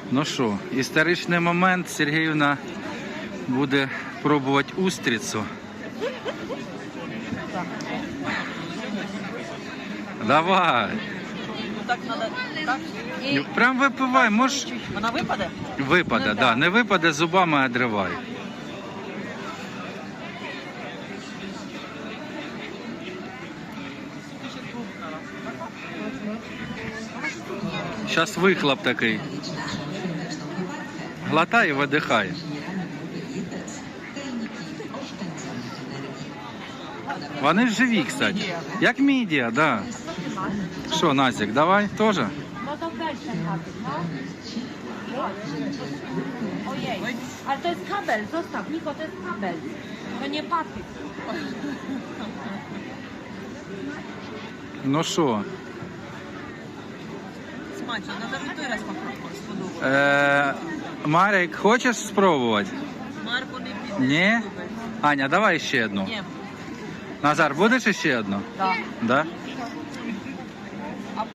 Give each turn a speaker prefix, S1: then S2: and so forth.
S1: Ну що, історичний момент. Сергіївна буде пробувати устрицю. Давай.
S2: Так надо, так. І
S1: Прям випивай, можеш.
S2: вона випаде?
S1: Випаде, да. Не випаде, зубами одривай. Зараз вихлоп такий. Глотай і видихай. Вони ж живі, кстати. Як мідія, да. Що, Назік, давай теж?
S3: No to weź ten patyk, no. Ojej, ale to jest kabel, zostaw, Niko, to jest kabel. To nie patyk.
S1: Ну що?
S2: Смачно, надо вже той раз сподобати.
S1: Марик, хочеш спробувати?
S2: Марко не піде.
S1: Ні? Аня, давай ще одну.
S2: Ні.
S1: Назар, будеш ще одну?
S2: Так.
S1: Да?